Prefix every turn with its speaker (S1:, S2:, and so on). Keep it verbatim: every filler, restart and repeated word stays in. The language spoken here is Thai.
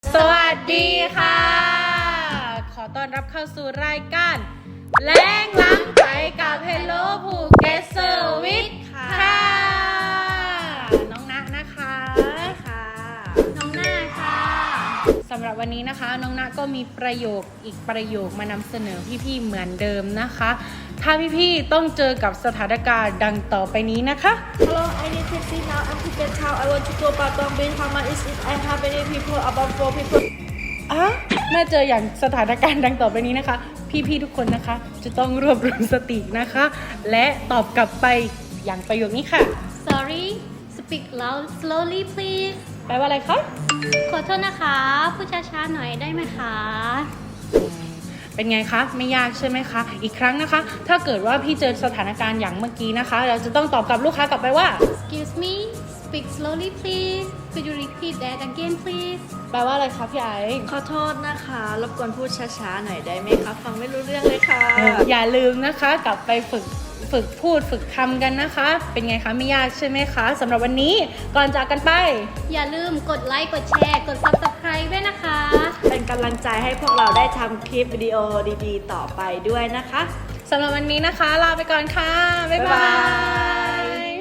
S1: สวัสดีค่ะขอต้อนรับเข้าสู่รายการแล้งล้ำไปกับ Hello ภูเก็ตเซอร์วิสค่ะน้องณนะคะค่ะน้องหน้าค่ะสำหรับวันนี้นะคะน้องณก็มีประโยคอีกประโยคมานำเสนอพี่ๆเหมือนเดิมนะคะถ้าพี่ๆต้องเจอกับสถานการณ์ดังต่อไปนี้นะคะ
S2: Hello, I need taxi now. I'm Phuket Town. I want to go Patong Beach. How much is it? I have many people, about four people.
S1: อ่ะเมื่อเจออย่างสถานการณ์ดังต่อไปนี้นะคะ พี่ๆทุกคนนะคะจะต้องรวบรวมสตินะคะ และตอบกลับไปอย่างประโยคนี้ค่ะ
S3: Sorry speak loud slowly please
S1: แปลว่าอะไรคะ
S3: ขอโทษนะคะพูดช้าๆหน่อยได้ไหมคะ
S1: เป็นไงคะไม่ยากใช่ไหมคะอีกครั้งนะคะ ถ้าเกิดว่าพี่เจอสถานการณ์อย่างเมื่อกี้นะคะ เราจะต้องตอบกับลูกค้ากลับไปว่า
S3: Excuse me speak slowly please could you repeat that again please
S1: แปลว่าอะไรคะพี่ไอซ์
S2: ขอโทษนะคะ รบกวนพูดช้าๆหน่อยได้ไหมคะฟังไม่รู้เรื่องเลยค่ะ
S1: อย่าลืมนะคะกลับไปฝึกฝึกพูดฝึกทำกันนะคะ เป็นไงคะไม่ยากใช่ไหมคะสำหรับวันนี้ก่อนจากกันไป
S3: อย่าลืมกดไลค์กดแชร์กด Subscribe ด้วยนะคะ
S2: เป็นกำลังใจให้พวกเราได้ทำคลิปวิดีโอดีๆ ต่อไปด้วยนะคะ
S1: สำหรับวันนี้นะคะลาไปก่อนค่ะบ๊ายบาย